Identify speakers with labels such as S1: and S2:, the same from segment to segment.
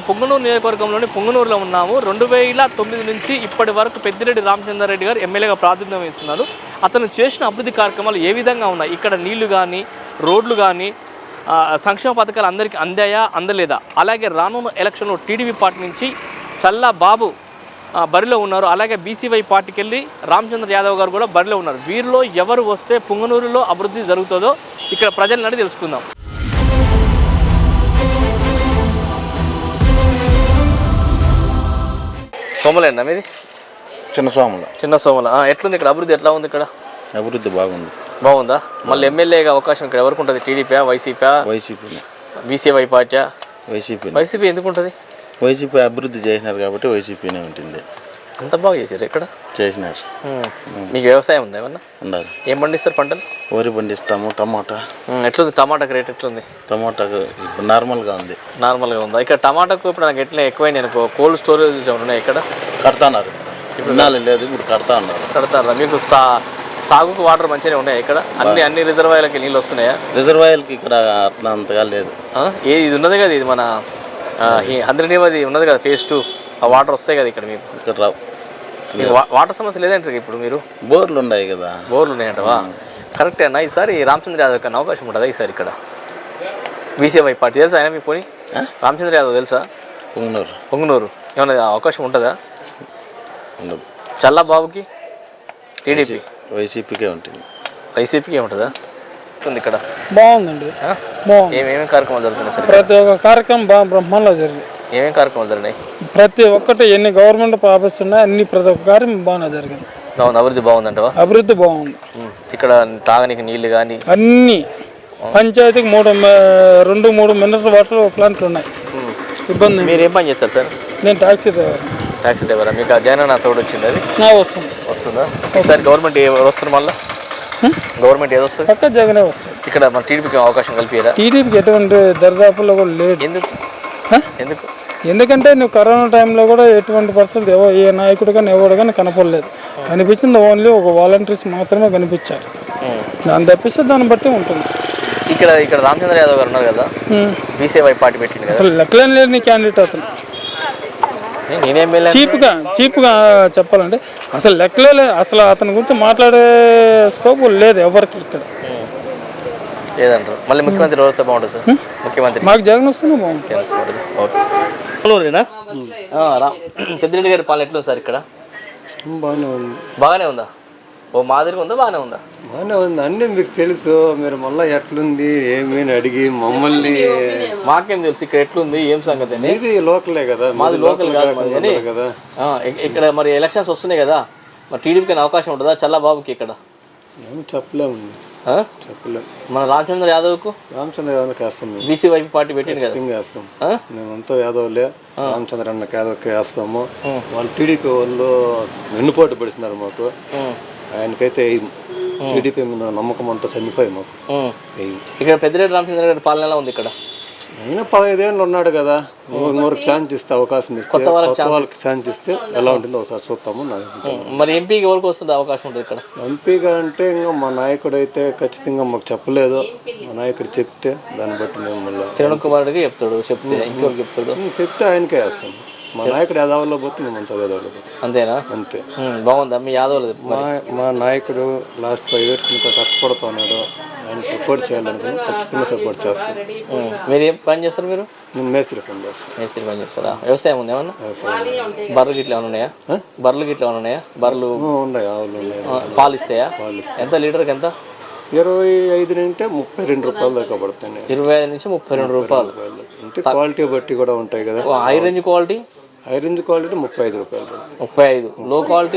S1: పొంగనూరు నియోజకవర్గంలోని పొంగనూరులో ఉన్నాము. 2009 నుంచి ఇప్పటి వరకు పెద్దిరెడ్డి రామచంద్రారెడ్డి గారు ఎమ్మెల్యేగా ప్రాతినిధ్యం వహిస్తున్నారు. అతను చేసిన అభివృద్ధి కార్యక్రమాలు ఏ విధంగా ఉన్నాయి, ఇక్కడ నీళ్లు కానీ రోడ్లు కానీ సంక్షేమ పథకాలు అందరికీ అందాయా అందలేదా, అలాగే రానున్న ఎలక్షన్లో టీడీపీ పార్టీ నుంచి చల్లా బాబు బరిలో ఉన్నారు, అలాగే బీసీవై పార్టీకి వెళ్ళి రామచంద్ర యాదవ్ గారు కూడా బరిలో ఉన్నారు. వీరిలో ఎవరు వస్తే పొంగనూరులో అభివృద్ధి జరుగుతుందో ఇక్కడ ప్రజలను తెలుసుకుందాం. సోమలేనా మీది? చిన్న సోమల. ఎట్లుంది ఇక్కడ అభివృద్ధి? ఎట్లా ఉంది ఇక్కడ
S2: అభివృద్ధి?
S1: బాగుందా? మళ్ళీ ఎమ్మెల్యేగా అవకాశం ఇక్కడ ఎవరికి ఉంటుంది? TDP, YCP, BCY party? YCP ఎందుకు ఉంటుంది?
S2: వైసీపీ అభివృద్ధి చేసినారు కాబట్టి వైసీపీనే ఉంటుంది.
S1: అంత బాగా చేశారు ఇక్కడ?
S2: చేసినారు.
S1: మీకు వ్యవసాయం ఉందా ఏమన్నా?
S2: ఉండాలి.
S1: ఏం పండిస్తారు పంటలు?
S2: వరి పండిస్తాము, టమాటా.
S1: ఎట్లుంది టమాటాకి రేట్? ఎట్లుంది
S2: టమాటాకు? ఇప్పుడు నార్మల్గా ఉంది.
S1: నార్మల్గా ఉందా? ఇక్కడ టమాటాకు ఇప్పుడు నాకు ఎట్లా ఎక్కువైనా అనుకో, కోల్డ్ స్టోరేజ్ ఉన్నాయి ఇక్కడ?
S2: కడతాన్నారు. ఇప్పుడు లేదు, ఇప్పుడు కడతారా? మీకు సాగుకు వాటర్ మంచిగానే ఉన్నాయా ఇక్కడ? అన్ని రిజర్వాయర్లకి నీళ్ళు వస్తున్నాయా? రిజర్వాయర్కి ఇక్కడ అంతగా లేదు.
S1: ఇది ఉన్నది కదా, ఇది మన అందరినీది ఉన్నది కదా, ఫేజ్ 2. ఆ వాటర్ వస్తాయి కదా ఇక్కడ మీకు?
S2: ఇక్కడ రావు.
S1: వాటర్ సమస్య లేదంటారు ఇప్పుడు మీరు?
S2: బోర్లు ఉన్నాయి కదా.
S1: బోర్లు ఉన్నాయంటవా? కరెక్టే అన్న. ఈసారి రామచంద్ర యాదవ్ కన్నా అవకాశం ఉంటుందా ఈసారి ఇక్కడ? బీసీవై పార్టీ తెలుసా ఆయన మీకు? పోనీ రామచంద్ర యాదవ్ తెలుసా? పొంగనూరు ఏమన్నా అవకాశం ఉంటుందా? చల్లా బాబుకి టీడీపీ?
S2: వైసీపీకే ఉంటుంది.
S1: వైసీపీకే ఉంటుందా? ఉంది ఇక్కడ.
S3: బాగుందండి.
S1: ఏమేమి కార్యక్రమాలు జరుగుతున్నాయి సార్?
S3: ప్రతి ఒక్క కార్యక్రమం బాగా బ్రహ్మాండంగా జరిగింది.
S1: ఏమేమి కార్యక్రమాలు జరిగినాయి?
S3: ప్రతి ఒక్కటి ఎన్ని గవర్నమెంట్ ఆఫీస్ ఉన్నాయి, అన్ని ప్రతి ఒక్క కార్యం బాగా జరిగింది.
S1: బాగుంది. అభివృద్ధి బాగుందంటవా?
S3: అభివృద్ధి బాగుంది.
S1: ఇక్కడ తాగడానికి నీళ్లు కానీ
S3: అన్ని పంచాయతీకి 2-3 మినరల్ వాటర్ ప్లాంట్లు ఉన్నాయి. ఇబ్బంది.
S1: మీరు ఏం పని చేస్తారు సార్?
S3: నేను టాక్సీ డ్రైవర్.
S1: టాక్సీ డ్రైవరా? మీకు ఆ జగనన్న తోడు వచ్చింది? అది వస్తుందా? ఈసారి గవర్నమెంట్ వస్తుంది? మళ్ళీ గవర్నమెంట్ ఏదో వస్తుంది?
S3: పక్క జగనే వస్తుంది.
S1: ఇక్కడ మన టీడీపీకి అవకాశం కల్పియరా?
S3: టీడీపీకి ఎటువంటి దరిదాపుల్లో కూడా లేదు. ఎందుకంటే నువ్వు కరోనా టైంలో కూడా ఎటువంటి పరిస్థితులు ఏ నాయకుడు కానీ ఎవడు కానీ కనపడలేదు. కనిపించింది ఓన్లీ ఒక వాలంటీర్స్ మాత్రమే కనిపించారు. దాన్ని తప్పిస్తే దాన్ని బట్టి ఉంటుంది.
S1: ఇక్కడ రామచంద్ర యాదవ్ గారు ఉన్నారు కదా, బీసీవై పార్టీ పెట్టింది.
S3: అసలు లెక్కలేని లేని క్యాండిడేట్ అతను. చీప్గా చెప్పాలంటే అసలు లెక్కలే. అసలు అతని గురించి మాట్లాడే స్కోప్ లేదు ఎవరికి ఇక్కడ.
S1: లేదంటారు. మళ్ళీ ముఖ్యమంత్రి ఎవరు బాగుంటుంది సార్? ముఖ్యమంత్రి
S3: మాకు జగన్ వస్తేనే బాగుంటుంది.
S1: పెద్దిరెడ్డి గారి పాలన ఎట్లా సార్ ఇక్కడ? బాగానే ఉందా? ఓ మాదిరిగా ఉందా? బాగానే ఉందా?
S4: బాగానే ఉంది. అన్నీ మీకు తెలుసు. మీరు మళ్ళీ ఎట్లుంది ఏమీ అడిగి మమ్మల్ని.
S1: మాకేం తెలుసు ఇక్కడ ఎట్లుంది ఏం సంగతి?
S4: ఇది లోకలే కదా,
S1: మాది లోకల్ కాదు కదా. ఇక్కడ మరి ఎలక్షన్స్ వస్తున్నాయి కదా, మరి టీడీపీకి అవకాశం ఉంటుందా చల్లాబాబుకి ఇక్కడ?
S4: ఏమి చెప్పలేము.
S1: మన రామచంద్ర యాదవ్కు
S4: వేస్తాం.
S1: బీసీవై పార్టీ పెట్టింది కదా,
S4: వేస్తాం. మేమంతా యాదవ్లే. రామచంద్ర అన్నకి యాదవ్కి వేస్తాము. వాళ్ళు టీడీపీ వాళ్ళు వెన్నుపోటు పడిస్తున్నారు మాకు. ఆయనకైతే టీడీపీ మీద నమ్మకం అంతా చనిపోయి మాకు.
S1: ఇక్కడ పెద్దిరెడ్డి రామచంద్ర గారి పాలన ఎలా ఉంది ఇక్కడ?
S4: ఆయన 15 ఏళ్ళు ఉన్నాడు కదా, ఇంకొకరికి ఛాన్స్ ఇస్తే, అవకాశం ఇస్తే, కొత్త వాళ్ళకి ఛాన్స్ ఇస్తే ఎలా ఉంటుందో ఒకసారి చూస్తాము.
S1: మరి ఎంపీకి ఎవరికి వస్తుంది అవకాశం ఉంటుంది ఇక్కడ?
S4: ఎంపీగా అంటే ఇంకా మా నాయకుడు అయితే ఖచ్చితంగా మాకు చెప్పలేదు. మా నాయకుడు చెప్తే దాన్ని బట్టి మేము మళ్ళీ
S1: కిరణ్ కుమార్ రెడ్డి చెప్తాడు.
S4: చెప్తే ఆయనకే వేస్తాం. మా నాయకుడు యాదవ్లో పోతే మేము అంతా యాదవ్లో పోతాం.
S1: అంతేనా?
S4: అంతే.
S1: బాగుందా మీ యాదవ్లో?
S4: మా నాయకుడు లాస్ట్ 5 years ఇంకా కష్టపడుతున్నాడు. ఆయన సపోర్ట్ చేయాలనుకుని ఖచ్చితంగా సపోర్ట్ చేస్తాం.
S1: మీరు ఏం పని చేస్తారు? మీరు
S4: మేస్త్రి పని చేస్తాం.
S1: మేస్త్రి పని చేస్తారా? వ్యవసాయం ఉంది ఏమన్నా? బర్రెలు గిట్ల ఏమైనా ఉన్నాయా? బర్రెలు
S4: ఉన్నాయి, ఆవులు ఉన్నాయి.
S1: పాలు ఇస్తాయా? ఎంత లీటర్కి ఎంత?
S4: 25 నుండి 32 రూపాయలు దాకా పడుతుంది.
S1: 25 నుంచి 32 రూపాయలు.
S4: అంటే క్వాలిటీ బట్టి కూడా ఉంటాయి కదా.
S1: హై రేంజ్ క్వాలిటీ
S4: 35 రూపాయలు.
S1: 35. లో క్వాలిటీ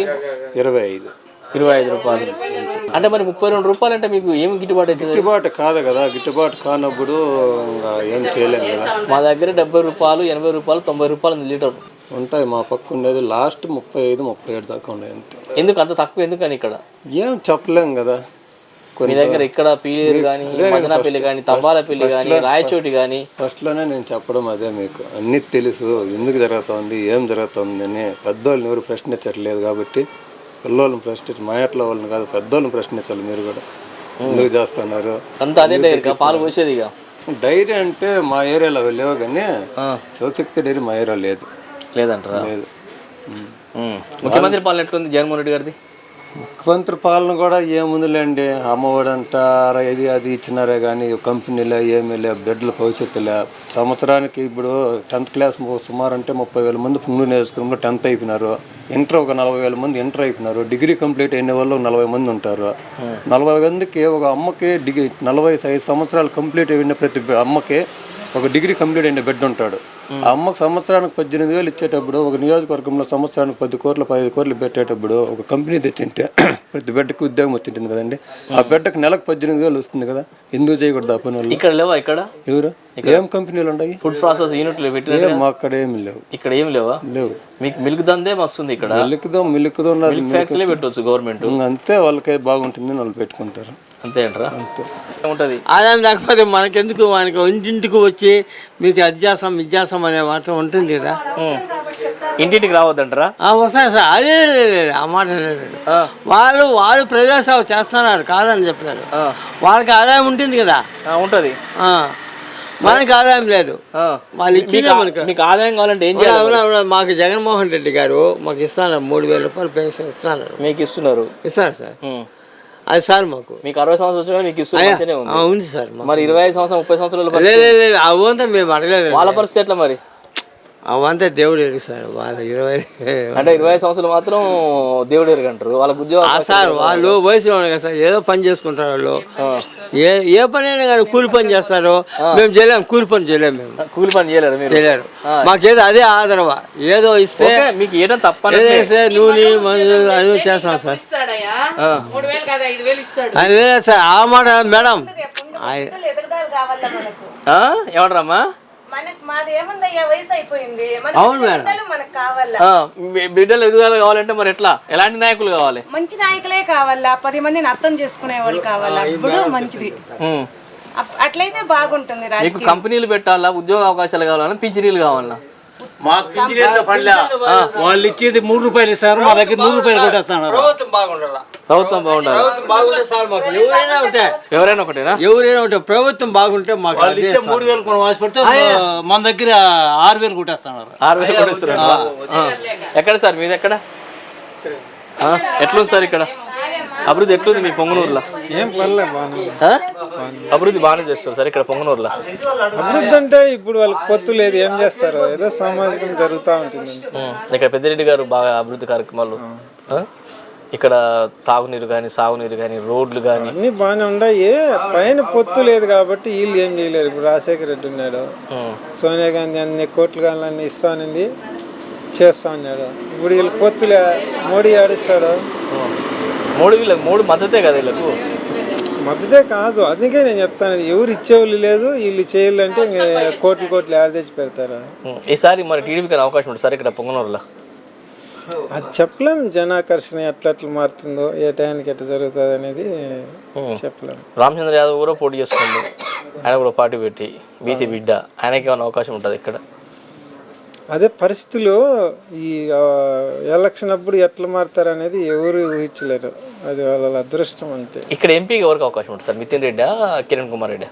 S4: 25
S1: రూపాయలు. అంటే మరి 32 రూపాయలు అంటే మీకు ఏమి గిట్టుబాటు అవుతుంది?
S4: గిట్టుబాటు కాదు కదా. గిట్టుబాటు కానప్పుడు ఇంకా ఏం చేయలేము కదా.
S1: మా దగ్గర 70 రూపాయలు, 80 రూపాయలు, 90 రూపాయలు లీటర్
S4: ఉంటాయి. మా పక్క ఉండేది లాస్ట్ 35-37 దాకా ఉన్నాయి. అంతే.
S1: ఎందుకు అంత తక్కువ? ఎందుకని ఇక్కడ
S4: ఏం చెప్పలేం కదా.
S1: మీ దగ్గర ఇక్కడ పీలేరు కానీ, మదనపల్లి కానీ, తంబాలపల్లి కానీ, రాయచోటి కానీ?
S4: ఫస్ట్లోనే నేను చెప్పడం అదే. మీకు అన్నీ తెలుసు ఎందుకు జరుగుతుంది, ఏం జరుగుతుంది అని. పెద్దోళ్ళని ఎవరు ప్రశ్నించట్లేదు కాబట్టి పిల్లవాళ్ళని ప్రశ్నించి, మా ఇంట్లో వాళ్ళని కాదు పెద్దోళ్ళని ప్రశ్నించాలి. మీరు కూడా ఎందుకు చేస్తున్నారు
S1: అంతా అదే పాలు పోసేది.
S4: డైరీ అంటే మా ఏరియాలో లేవు కానీ శివశక్తి డైరీ మా ఏరియా
S1: లేదంటారా?
S4: లేదు.
S1: ముఖ్యమంత్రి పాలన ఎట్లుంది జగన్మోహన్ రెడ్డి గారిది?
S4: ముఖ్యమంత్రి పాలన కూడా ఏముందిలేండి, అమ్మఒడి అంటారా ఇది అది ఇచ్చినారే కానీ కంపెనీలే ఏమీ లే, బిడ్డల భవిష్యత్తులే. సంవత్సరానికి ఇప్పుడు 10th క్లాస్ సుమారు అంటే 30,000 మంది పుంగనూరు నియోజకవర్గంలో 10th అయిపోయినారు. ఇంటర్ ఒక 40,000 మంది ఇంటర్ అయిపోయినారు. డిగ్రీ కంప్లీట్ అయిన వాళ్ళు 40 మంది ఉంటారు. 40 మందికి ఒక అమ్మకి 45 సంవత్సరాలు కంప్లీట్ అయిన ప్రతి అమ్మకి ఒక డిగ్రీ కంప్లీట్ అయిన బిడ్డ ఉంటాడు. ఆ అమ్మకు సంవత్సరానికి 18,000 ఇచ్చేటప్పుడు, ఒక నియోజకవర్గంలో సంవత్సరానికి 10 కోట్లు 15 కోట్లు పెట్టేటప్పుడు ఒక కంపెనీ తెచ్చింటే ప్రతి బిడ్డకి ఉద్యోగం వచ్చింటుంది కదండి. ఆ బిడ్డకు నెలకు 18,000 వస్తుంది కదా, ఎందుకు చేయకూడదు ఆ పని వాళ్ళు?
S1: ఇక్కడ లేవా? ఇక్కడ
S4: ఎవరు ఏం కంపెనీలు ఉన్నాయి?
S1: ఫుడ్ ప్రాసెస్ యూనిట్లు పెట్టిన
S4: మా అక్కడ ఏమి లేవు.
S1: ఇక్కడ ఏం లేవా?
S4: లేవు.
S1: మీకు మిల్క్ దందే వస్తుంది ఇక్కడ.
S4: మిల్క్
S1: ఫ్యాక్టరీ పెట్టవచ్చు గవర్నమెంట్.
S4: అంతే, వాళ్ళకే బాగుంటుంది వాళ్ళు పెట్టుకుంటారు.
S1: అంతే అంటారా?
S4: అంతే
S1: ఉంటుంది.
S5: ఆదాయం లేకపోతే మనకెందుకు, మనకి ఇంటింటికి వచ్చి మీకు అది చేస్తాం ఇది చేస్తాం అనే మాట ఉంటుంది కదా.
S1: ఇంటింటికి రావద్దంటారా?
S5: వస్తాయి సార్, అదే ఆ మాట లేదు. వాళ్ళు ప్రజాసేవ చేస్తున్నారు కాదని చెప్పారు. వాళ్ళకి ఆదాయం ఉంటుంది కదా.
S1: ఉంటుంది.
S5: మనకి ఆదాయం లేదు. వాళ్ళు ఇచ్చిందే మనకి.
S1: మీకు ఆదాయం కావాలంటే ఏం చేయాలి?
S5: మాకు జగన్మోహన్ రెడ్డి గారు మాకు ఇస్తున్నారు 3,000 రూపాయలు పెన్షన్ ఇస్తున్నారు.
S1: మీకు ఇస్తున్నారు
S5: సార్. అది సార్ మాకు
S1: మీకు 60 సంవత్సరాలు మీకు ఇస్తున్నారు.
S5: ఉంది సార్.
S1: మరి 25 సంవత్సరం 30 సంవత్సరాలు
S5: లేదు అవంతా మేము అడగలేదు.
S1: వాళ్ళ పరిస్థితి ఎట్లా మరి?
S5: అవంతా దేవుడు ఎరుగు సార్. వాళ్ళు
S1: 25 సంవత్సరాలు మాత్రం దేవుడు ఎరుగు అంటారు. వాళ్ళకి ఉద్యోగం
S5: సార్, వాళ్ళు వయసులో ఉన్నారు కదా సార్, ఏదో పని చేసుకుంటారు వాళ్ళు. ఏ పని అయినా కానీ కూలి పని చేస్తారు. మేము చేయలేము, కూలి పని చేయలేము. మేము
S1: కూలి పని చేయలేరు,
S5: చేయలేరు. మాకేదో అదే ఆదరవా, ఏదో ఇస్తే
S1: మీకు ఏదో తప్ప
S5: నూనె మందు అది చేస్తాం సార్. అదే సార్ ఆ మాట మేడం.
S1: ఏమంటారమ్మా?
S5: అవును మేడం.
S1: బిడ్డలు ఎదుగుదల కావాలంటే మరి ఎట్లా, ఎలాంటి నాయకులు కావాలి?
S6: మంచి నాయకులే కావాలా, 10 మందిని అర్థం చేసుకునే వాళ్ళు కావాలా, ఇప్పుడు మంచిది. అట్లయితే బాగుంటుంది.
S1: మీకు కంపెనీలు పెట్టాలా, ఉద్యోగ అవకాశాలు కావాలన్నా, పింఛనీలు కావాలన్నా?
S7: వాళ్ళు ఇచ్చేది 3 రూపాయలు ఇస్తారు, మా దగ్గర 100 రూపాయలు కొట్టేస్తున్నారు.
S5: ప్రభుత్వం బాగుండాలి.
S1: ఎవరైనా ఒకటేనా?
S5: ఎవరైనా ఒకటే. ప్రభుత్వం బాగుంటే మాకు
S7: 3,000 కొన్ని ఆశపడితే మన దగ్గర 6,000 కొట్టేస్తున్నారు.
S1: 6,000 కొట్టేస్తున్నారు. ఎక్కడ సార్ మీది? ఎక్కడ ఎట్లుంది సార్ ఇక్కడ అభివృద్ధి? ఎట్లుంది మీ పొంగనూరులో?
S3: ఏం పర్లేదు,
S1: అభివృద్ధి బాగానే చేస్తారు సార్ ఇక్కడ పొంగనూరులో.
S3: అభివృద్ధి అంటే ఇప్పుడు వాళ్ళకి పొత్తు లేదు, ఏం చేస్తారు, ఏదో సామాజికం జరుగుతూ ఉంటుంది.
S1: ఇక్కడ పెద్దిరెడ్డి గారు బాగా అభివృద్ధి కార్యక్రమాలు, ఇక్కడ తాగునీరు కానీ సాగునీరు కానీ రోడ్లు కానీ
S3: అన్నీ బాగానే ఉన్నాయి. పైన పొత్తు లేదు కాబట్టి వీళ్ళు ఏం చేయలేరు. ఇప్పుడు రాజశేఖర రెడ్డి ఉన్నాడు, సోనియా గాంధీ అన్ని కోట్లు కానీ అన్ని ఇస్తానింది, చేస్తా ఉన్నాడు. ఇప్పుడు వీళ్ళు పొత్తులే, మోడీ ఆడిస్తాడు.
S1: మోడీ మద్దతే కదా వీళ్ళకు?
S3: మద్దతే కాదు, అందుకే నేను చెప్తాను, ఎవరు ఇచ్చేవాళ్ళు లేదు, వీళ్ళు చేయాలంటే ఇంకా కోట్లు ఆడ తెచ్చి పెడతారు.
S1: ఈసారి మరి టీడీపీకి అవకాశం ఉంటుంది సార్ ఇక్కడ పొంగనూరులో?
S3: అది చెప్పలేం, జనాకర్షణ ఎట్లా మారుతుందో, ఏ టైంకి ఎట్లా జరుగుతుంది అనేది చెప్పలేము.
S1: రామచంద్ర యాదవ్ కూడా పోటీ చేస్తుంది, ఆయన కూడా పార్టీ పెట్టి బీసీ బిడ్డ, ఆయనకి ఏమైనా అవకాశం ఉంటుంది ఇక్కడ?
S3: అదే పరిస్థితులు ఈ ఎలక్షన్ అప్పుడు ఎట్లా మారుతారు అనేది ఎవరు ఊహించలేరు, అది వాళ్ళ అదృష్టం అంతే.
S1: ఇక్కడ ఎంపీకి ఎవరికి అవకాశం ఉంటుంది సార్? మితిన్ రెడ్డా, కిరణ్ కుమార్ రెడ్డా?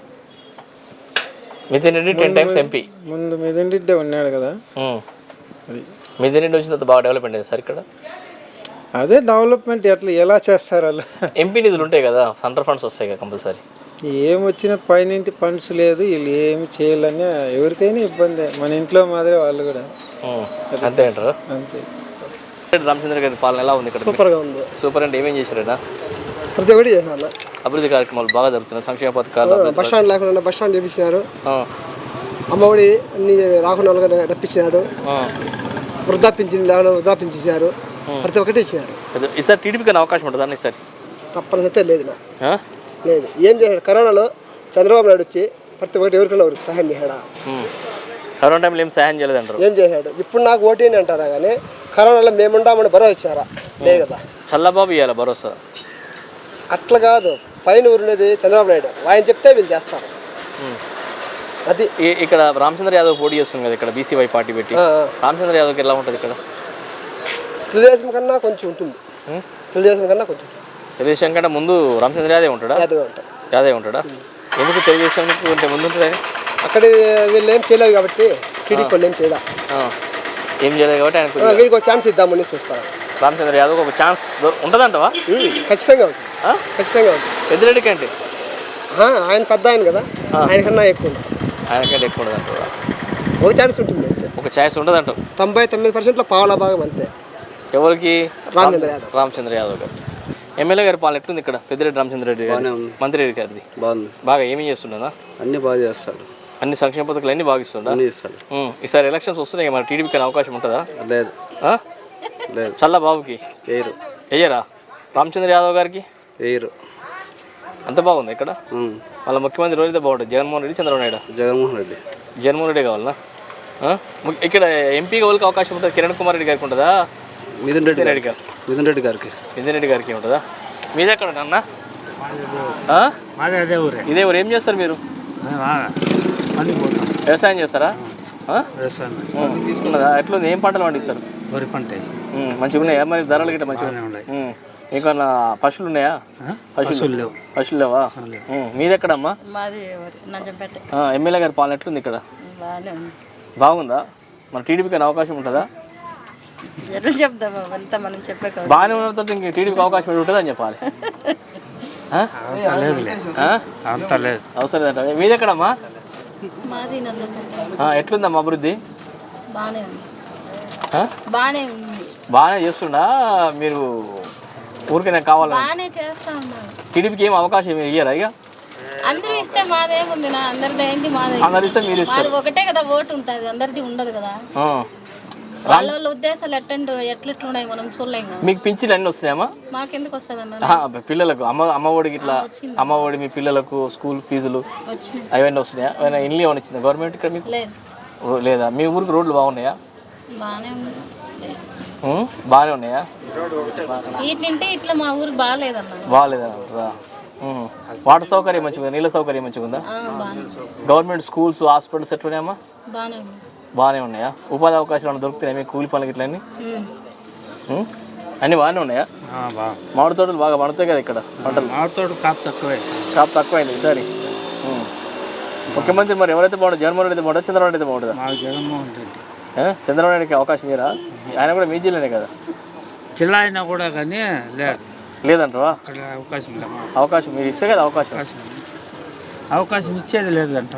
S1: Mithun Reddy 10 times MP.
S3: ముందు మితిన్ రెడ్డి ఉన్నాడు కదా,
S1: అది మితిన్ రెడ్డి వచ్చిన తర్వాత బాగా డెవలప్మెంట్ అయింది సార్ ఇక్కడ.
S3: అదే డెవలప్మెంట్ ఎలా చేస్తారు వాళ్ళు?
S1: ఎంపీ నిధులు ఉంటాయి కదా, సెంట్రల్ ఫండ్స్ వస్తాయి కదా కంపల్సరీ.
S3: ఏం వచ్చినా పైనింటి ఫండ్స్ లేదు, వీళ్ళు ఏమి చేయాలని ఎవరికైనా ఇబ్బంది. మన ఇంట్లో మాదిరి వాళ్ళు కూడా
S1: అంతే అంటారు.
S3: అంతే.
S1: రామచంద్ర గారి పాలన ఎలా ఉంది ఇక్కడ?
S8: సూపర్గా ఉంది.
S1: సూపర్ అంటే ఏమేం చేశారైనా?
S8: ప్రతి ఒక్కటి చేశారు.
S1: అభివృద్ధి కార్యక్రమాలు బాగా జరుగుతున్నాయి, సంక్షేమ పథకాలు.
S8: బస్ స్టాండ్ లేకుండా బస్ స్టాండ్ చేపించినారు, అమ్మఒడి అన్ని రాకుండా రప్పించినారు, వృద్ధాపించింది లేకుండా వృద్ధాపించారు, ప్రతి ఒక్కటి ఇచ్చినారు.
S1: ఈసారి టీడీపీకి అవకాశం ఉంటుంది అన్న ఈసారి?
S8: తప్పనిసరి లేదు, లేదు. ఏం చేశాడు కరోనాలో? చంద్రబాబు నాయుడు వచ్చి ప్రతి ఒక్కటి ఎవరికైనా ఎవరికి సహాయం చేశాడా?
S1: కరోనా టైంలో ఏం సహాయం చేయలేదు అంటారు.
S8: ఏం చేశాడు? ఇప్పుడు నాకు ఓటీని అంటారా కానీ కరోనాలో మేముండామని భరోసా ఇచ్చారా? లేదు కదా.
S1: చల్లబాబు ఇవ్వాలి భరోసా.
S8: అట్లా కాదు, పైన ఊరినది చంద్రబాబు నాయుడు, ఆయన చెప్తే వీళ్ళు చేస్తారు. అది
S1: ఇక్కడ రామచంద్ర యాదవ్ పోటీ చేస్తుంది కదా ఇక్కడ, బీసీవై పార్టీ పెట్టి. రామచంద్ర యాదవ్కి ఎలా ఉంటుంది ఇక్కడ?
S8: తెలుగుదేశం కన్నా కొంచెం ఉంటుంది. తెలుగుదేశం కన్నా కొంచెం.
S1: తెలుగుదేశం కంటే ముందు రామచంద్ర యాదవ్ ఉంటాడా?
S8: యాదవ్ ఉంటాడు.
S1: యాదవ్ ఉంటాడా? ఎందుకు తెలుగుదేశం అంటే ముందు ఉంటుంది?
S8: అక్కడ వీళ్ళు ఏం చేయలేదు కాబట్టి టీడీపీ వాళ్ళు ఏం చేయలే.
S1: ఏం చేయలేదు కాబట్టి ఆయనకు
S8: వీళ్ళకి ఒక ఛాన్స్ ఇద్దామని చూస్తారు.
S1: రామచంద్ర యాదవ్ ఒక ఛాన్స్ ఉంటుందంటవా?
S8: ఖచ్చితంగా ఉంటుంది, ఖచ్చితంగా ఉంటుంది.
S1: పెద్దిరెడ్డి కంటే
S8: ఆయన పెద్ద ఆయన కదా, ఆయనకన్నా ఎక్కువ ఉంటుంది.
S1: ఆయనకంటే ఎక్కువ ఉండదంటావా?
S8: ఒక ఛాన్స్ ఉంటుంది అంతే.
S1: ఒక ఛాన్స్ ఉండదంటావు.
S8: 99%లో పావుల భాగం అంతే.
S1: ఎవరికి?
S8: రామచంద్ర
S1: యాదవ్ గారు. ఎమ్మెల్యే గారి పాలన ఎట్లుంది ఇక్కడ? పెద్దిరెడ్డి రామచంద్రరెడ్డి గారు మంత్రి రెడ్డి గారిది
S9: బాగుంది.
S1: బాగా ఏమీ చేస్తుండదా?
S9: అన్ని బాగా చేస్తాడు,
S1: అన్ని సంక్షేమ పథకాలు అన్ని బాగా ఇస్తుండ.
S9: ఇస్తాడు.
S1: ఈసారి ఎలక్షన్స్ వస్తున్నాయి, మరి టీడీపీకి అవకాశం ఉంటుందా?
S9: లేదు లేదు.
S1: చల్ల బాబుకి
S9: వేయరు.
S1: వెయ్యరా? రామచంద్ర యాదవ్ గారికి
S9: వేయరు.
S1: అంత బాగుంది ఇక్కడ. వాళ్ళ ముఖ్యమంత్రి రోజైతే బాగుంటుంది, జగన్మోహన్ రెడ్డి చంద్రబాబు నాయుడు. జగన్మోహన్ రెడ్డి కావాలనా? ఇక్కడ ఎంపీగా వాళ్ళకి అవకాశం ఉంటుంది. కిరణ్ కుమార్ రెడ్డి గారికి ఉంటుందా?
S9: మిథున్ రెడ్డి గారికి.
S1: మిథున్ రెడ్డి గారికి ఉంటుందా? మీది ఎక్కడ అన్న? ఇదే ఊరు. ఏం చేస్తారు మీరు? వ్యవసాయం చేస్తారా? తీసుకున్నదా? ఎట్లుంది? ఏం పంటలు పండిస్తారు?
S10: వరి పంట
S1: మంచిగా ఉన్నాయా? మరి ధరలు గిట్ట మంచిగా ఉన్నాయి. ఇంకన్నా పశువులు ఉన్నాయా? పశువులు లేవా? మీది ఎక్కడమ్మా? ఎమ్మెల్యే గారి పాలన ఎట్లుంది ఇక్కడ? బాగుందా? మన టీడీపీకి అవకాశం ఉంటుందా? బాగానే ఉన్నతో ఇంక టీడీపీకి అవకాశం ఉంటుంది అని చెప్పాలి. అవసరం లేదంట. మీది ఎక్కడమ్మా? ఎట్లుందమ్మా అభివృద్ధి? బాగానే చేస్తుండా? మీరు ఊరికే కావాలని టీడీపీకి ఏం అవకాశం ఇయ్యరా? ఇక
S11: అందరూ ఇస్తే మాదేముంది, అందరిది మాదే.
S1: అందరు ఇస్తే మీరు ఇస్తారు.
S11: ఒకటే కదా ఓటు ఉంటుంది, అందరిది ఉండదు కదా. వాళ్ళ ఉద్దేశాలు ఎట్లున్నాయి మనం చూడలేం కదా.
S1: మీకు పింఛన్లు అన్నీ వస్తున్నాయమ్మా?
S11: మాకెందుకు వస్తుంది అన్న?
S1: పిల్లలకు అమ్మ ఒడికి ఇట్లా అమ్మ ఒడి, మీ పిల్లలకు స్కూల్ ఫీజులు అవన్నీ వస్తున్నాయా? ఏమైనా ఇల్లు ఏమైనా ఇచ్చిందా గవర్నమెంట్ ఇక్కడ మీకు? లేదా? మీ ఊరికి రోడ్లు బాగున్నాయా? బాగానే ఉన్నాయా?
S11: వీటింటే ఇట్లా మా ఊరికి బాగాలేదన్నా.
S1: బాగాలేదా? వాటర్ సౌకర్యం మంచిగా, నీళ్ళ సౌకర్యం మంచిగా ఉందా? గవర్నమెంట్ స్కూల్స్, హాస్పిటల్స్ ఎట్లున్నాయమ్మా? బాగానే ఉన్నాయా? ఉపాధి అవకాశాలు ఏమైనా దొరుకుతున్నాయి మీకు? కూలి పనులకి ఇట్లా అన్నీ బాగానే ఉన్నాయా? మామిడి తోటలు బాగా పడతాయి కదా ఇక్కడ పంటలు?
S10: మామిడి తోట
S1: కాపు తక్కువైంది ఈసారి. ముఖ్యమంత్రి మరి ఎవరైతే బాగుంటుంది? జగన్మోహన్ రెడ్డి బాగుంటుందా? చంద్రబాబు నాయుడు బాగుంటుందా?
S10: జగన్మోహన్ రెడ్డి.
S1: చంద్రబాబు నాయుడుకి అవకాశం ఇయ్యరా? ఆయన కూడా మీ జిల్లానే కదా.
S10: జిల్లా అయినా కూడా కానీ
S1: లేదంటావా?
S10: అవకాశం లేదు.
S1: అవకాశం మీరు ఇస్తే కదా అవకాశం
S10: ఇచ్చేది లేదంట.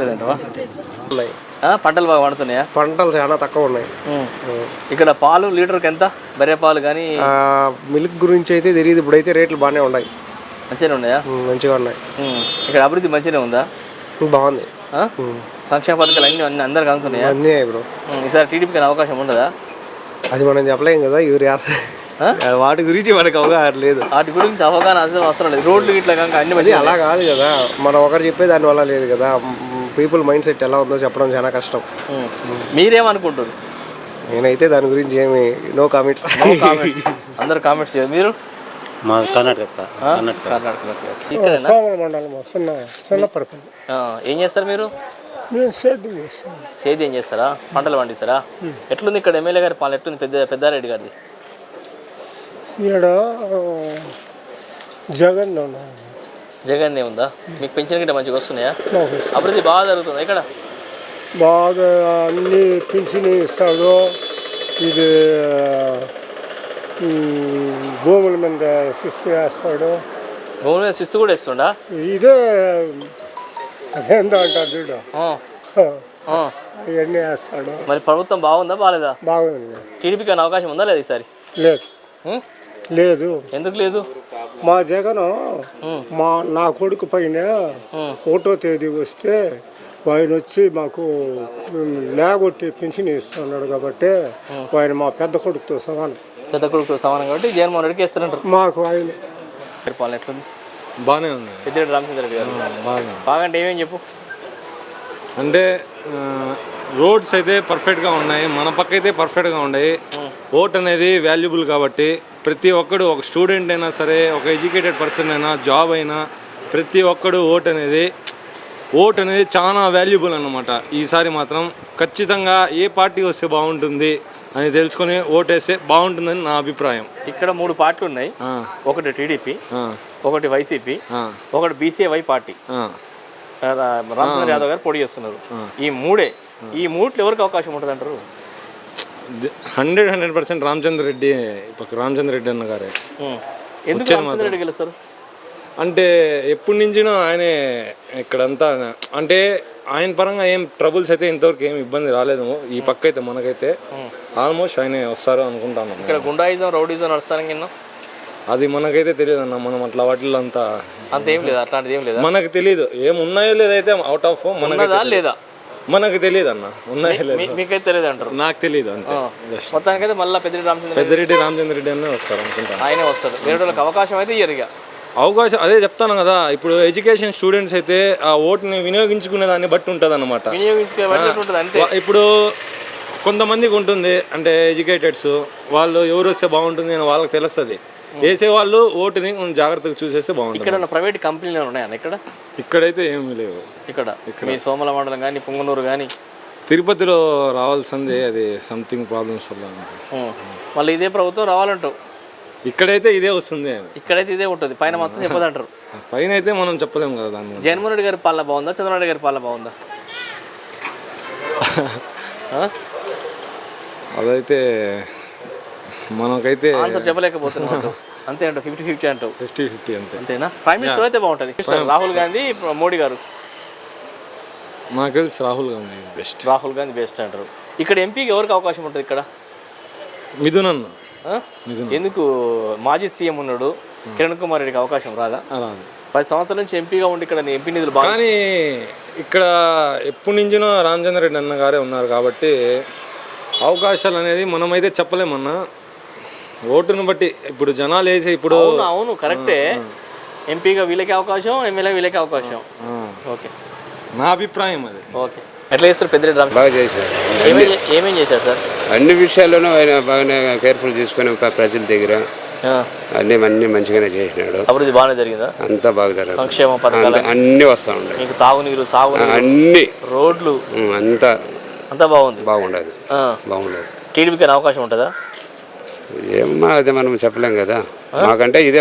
S1: పంటలు బాగా పడుతున్నాయా?
S8: పంటలు చాలా తక్కువ ఉన్నాయి
S1: ఇక్కడ. పాలు లీటర్కి ఎంత? బర్రె పాలు కానీ
S8: మిల్క్ గురించి అయితే తెలియదు. ఇప్పుడైతే రేట్లు బాగానే ఉన్నాయి.
S1: మంచిగానే ఉన్నాయా?
S8: మంచిగా ఉన్నాయి.
S1: ఇక్కడ అభివృద్ధి మంచిగానే ఉందా?
S8: బాగుంది.
S1: సంక్షేమ పథకాలు అన్ని అందరికి అందుతున్నాయా?
S8: అన్నీ బ్రో.
S1: ఈసారి టీడీపీకి అవకాశం ఉండదా?
S8: అది మనం చెప్పలేం కదా. వాటి గురించి మనకు అవగాహన లేదు.
S1: వాటి గురించి అవగాహన అవసరం లేదు. రోడ్లు ఇట్లా అన్ని మంచి
S8: అలా కాదు కదా, మనం ఒకరు చెప్పే దాని వల్ల లేదు కదా. పీపుల్ మైండ్ సెట్ ఎలా ఉందో చెప్పడం చాలా కష్టం.
S1: మీరేమనుకుంటారు?
S8: నేనైతే దాని గురించి ఏమి నో కామెంట్స్.
S1: అందరు కామెంట్స్ చేయరు. మీరు?
S2: మా కర్ణాటక.
S1: ఏం చేస్తారు మీరు? సేద్యం చేస్తారా? పంటలు పండిస్తారా? ఎట్లుంది ఇక్కడ ఎమ్మెల్యే గారి పాలన ఎట్లుంది? పెద్దారెడ్డి గారిది. జగన్ ఉందా? మీకు పెన్షన్ గిట్ట మంచిగా వస్తున్నాయా? అభివృద్ధి బాగా జరుగుతుంది ఇక్కడ?
S3: బాగా అన్ని పెన్షన్ ఇస్తాడు. ఇది భూముల మీద శిస్తు వేస్తాడు.
S1: భూముల మీద శిస్తు కూడా ఇస్తుండా?
S3: ఇదే అదేందో అంటారు చూడు, ఇవన్నీ వేస్తాడు.
S1: మరి ప్రభుత్వం బాగుందా బాగాలేదా?
S3: బాగుంది.
S1: టీడీపీకి అవకాశం ఉందా లేదా ఈసారి?
S3: లేదు.
S1: ఎందుకు లేదు?
S3: మా జగన్ నా కొడుకు పైన 1వ తేదీ వస్తే ఆయన వచ్చి మాకు లేగొట్టి పెన్షన్ ఇస్తున్నాడు కాబట్టి ఆయన మా పెద్ద కొడుకుతో సమానం.
S1: కాబట్టి జగన్మోహన్ రెడ్డికి ఇస్తారంటారు.
S3: మాకు ఆయన
S1: పాలన ఎట్లుంది?
S12: బాగానే ఉంది.
S1: పెద్దిరెడ్డి రామచంద్రరెడ్డి గారు బాగా అంటే ఏమేమి చెప్పు.
S12: అంటే రోడ్స్ అయితే పర్ఫెక్ట్గా ఉన్నాయి, మన పక్క అయితే పర్ఫెక్ట్గా ఉన్నాయి. ఓట్ అనేది వాల్యుబుల్ కాబట్టి ప్రతి ఒక్కడు, ఒక స్టూడెంట్ అయినా సరే, ఒక ఎడ్యుకేటెడ్ పర్సన్ అయినా, జాబ్ అయినా, ప్రతి ఒక్కడు ఓట్ అనేది చాలా వాల్యుబుల్ అన్నమాట. ఈసారి మాత్రం ఖచ్చితంగా ఏ పార్టీ వస్తే బాగుంటుంది అని తెలుసుకొని ఓటేస్తే బాగుంటుందని నా అభిప్రాయం.
S1: ఇక్కడ 3 పార్టీలు ఉన్నాయి. ఒకటి టీడీపీ, ఒకటి వైసీపీ, ఒకటి బీసీవై పార్టీ. రామచంద్ర యాదవ్ గారు పోటీ చేస్తున్నారు. ఈ మూడిట్లో ఎవరికి అవకాశం ఉంటుంది అంటారు?
S12: 100% రామచంద్ర రెడ్డి అన్న గారే.
S1: ఎందుకు రామచంద్ర రెడ్డి గెలుస్తారు
S12: అంటే ఎప్పటి నుంచినో ఆయనే ఇక్కడంతా, అంటే ఆయన పరంగా ఏం ట్రబుల్స్ అయితే ఇంతవరకు ఏం ఇబ్బంది రాలేదు. ఈ పక్క అయితే మనకైతే ఆల్మోస్ట్ ఆయనే వస్తారు అనుకుంటాను.
S1: ఇక్కడ గుండాయిజం రౌడీజం నడుస్తారని కింద
S12: అది మనకైతే తెలియదు అన్న. మనం అట్లా వాటిల్లో అంతా
S1: ఏం లేదు, అట్లాంటిది ఏం లేదు, మనకు
S12: తెలియదు. ఏం ఉన్నాయో లేదైతే అవుట్ ఆఫ్
S1: లేదా
S12: మనకు తెలియదు అన్న. ఉన్నాయో లేదు
S1: మీకైతే తెలియదు అంటారు.
S12: నాకు తెలియదు అంతే.
S1: మొత్తానికైతే మళ్ళీ
S12: పెద్దిరెడ్డి రామచంద్ర రెడ్డి అన్న వస్తారు అనుకుంటాను.
S1: ఆయనే వస్తారు. వేరే వాళ్ళకి అవకాశం అయితే ఇయ్యరు.
S12: అవకాశం అదే చెప్తాను కదా, ఇప్పుడు ఎడ్యుకేషన్ స్టూడెంట్స్ అయితే ఆ ఓటుని వినియోగించుకునే దాన్ని బట్టి ఉంటుంది అనమాట. ఇప్పుడు కొంతమందికి ఉంటుంది, అంటే ఎడ్యుకేటెడ్స్ వాళ్ళు ఎవరు వస్తే బాగుంటుంది అని వాళ్ళకి తెలుస్తుంది. వేసే వాళ్ళు ఓటుని కొంచెం జాగ్రత్తగా చూసేస్తే బాగుంటుంది.
S1: ఇక్కడ ప్రైవేట్ కంపెనీలు ఉన్నాయన్న
S12: ఇక్కడైతే ఏమీ లేవు.
S1: ఇక్కడ మీ సోమల మండలం కానీ పుంగనూరు కానీ
S12: తిరుపతిలో రావాల్సిందే, అది సంథింగ్ ప్రాబ్లమ్స్ వల్ల.
S1: మళ్ళీ ఇదే ప్రభుత్వం రావాలంటావు?
S12: ఇక్కడైతే ఇదే వస్తుంది,
S1: ఇక్కడైతే ఇదే ఉంటుంది, పైన మొత్తం చెప్పదంటారు.
S12: పైన అయితే మనం చెప్పలేము కదా దాన్ని.
S1: జగన్మోహన్ రెడ్డి గారి పాలన బాగుందా, చంద్రబాబు నాయుడు గారి పాలన బాగుందా?
S12: అదైతే మనకైతే
S1: ఆన్సర్ చెప్పలేకపోతున్నాం. అంతే అంటావు? 50-50 అంటావు?
S12: 50-50 అంతే.
S1: అంతేనా? ప్రైమ్ మినిస్టర్ అయితే బాగుంటుంది. రాహుల్ గాంధీ, మోడీ గారు?
S12: నాకు తెలిసి రాహుల్ గాంధీ బెస్ట్.
S1: రాహుల్ గాంధీ బెస్ట్ అంటారు. ఇక్కడ ఎంపీకి ఎవరికి అవకాశం ఉంటుంది ఇక్కడ?
S12: మిథున్ అన్న.
S1: ఎందుకు? మాజీ సీఎం ఉన్నాడు, కిరణ్ కుమార్ రెడ్డికి అవకాశం రాదా?
S12: రాదు.
S1: 10 సంవత్సరాల నుంచి ఎంపీగా ఉండి ఇక్కడ ఎంపీ నిధులు బాగా.
S12: కానీ ఇక్కడ ఎప్పటి నుంచినో రామచంద్ర రెడ్డి అన్న గారే ఉన్నారు కాబట్టి అవకాశాలు అనేది మనమైతే చెప్పలేమన్నా. ఓటును బట్టి ఇప్పుడు జనాలు వేసి ఇప్పుడు.
S1: అవును కరెక్టే. ఎంపీగా వీళ్ళకి అవకాశం, ఎమ్మెల్యే వీళ్ళకి అవకాశం. ఓకే,
S12: నా అభిప్రాయం అది.
S1: ఓకే, ఎట్లా చేస్తారు పెద్దిరెడ్డి రామ్?
S13: బాగా చేశారు.
S1: ఏమేం చేశారు సార్?
S13: అన్ని విషయాల్లోనూ ఆయన బాగానే కేర్ఫుల్ తీసుకుని ప్రజల దగ్గర అన్ని మంచిగానే చేసినాడు.
S1: అభివృద్ధి బాగానే జరిగిందా?
S13: అంతా బాగా జరుగుతుంది.
S1: సంక్షేమ పథకాలు
S13: అన్ని వస్తూ ఉంటాయి.
S1: మీకు తాగునీరు,
S13: అన్ని
S1: రోడ్లు అంతా బాగుంది.
S13: బాగుండదు.
S1: టీడీపీకి అవకాశం ఉంటుందా?
S13: ఏమన్నా అదే మనం చెప్పలేం కదా. మాకంటే ఇదే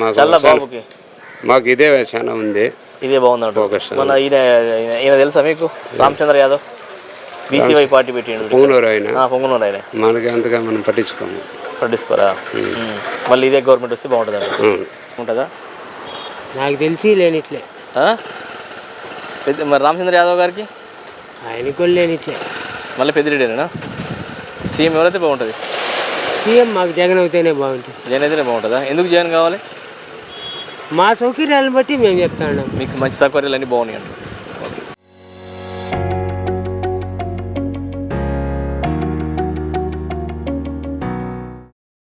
S13: మాకు ఇదే చాలా ఉంది.
S1: ఇదే బాగుంది. మన ఈయన తెలుసా మీకు? రామచంద్ర యాదవ్ బీసీవై పార్టీ పెట్టిండు.
S13: పొంగునూరు ఆయన.
S1: పొంగునూరు ఆయన.
S13: మనకి అంతగా మనం పట్టించుకోరా.
S1: మళ్ళీ ఇదే గవర్నమెంట్ వస్తే బాగుంటుంది ఉంటుందా?
S5: నాకు తెలిసి లేనిట్లే.
S1: మరి రామచంద్ర యాదవ్ గారికి?
S5: ఆయనకు లేనిట్లే.
S1: మళ్ళీ పెద్దిరెడ్డినా సీఎం ఎవరైతే బాగుంటుంది?
S5: సీఎం మాకు జగన్ అవుతేనే బాగుంటుంది.
S1: జగన్ అయితేనే బాగుంటుందా? ఎందుకు జగన్ కావాలి?
S5: మా సౌకర్యాలను బట్టి మేము చెప్తా ఉన్నాం.
S1: మీకు మంచి సౌకర్యాలు అన్నీ బాగున్నాయి అండి.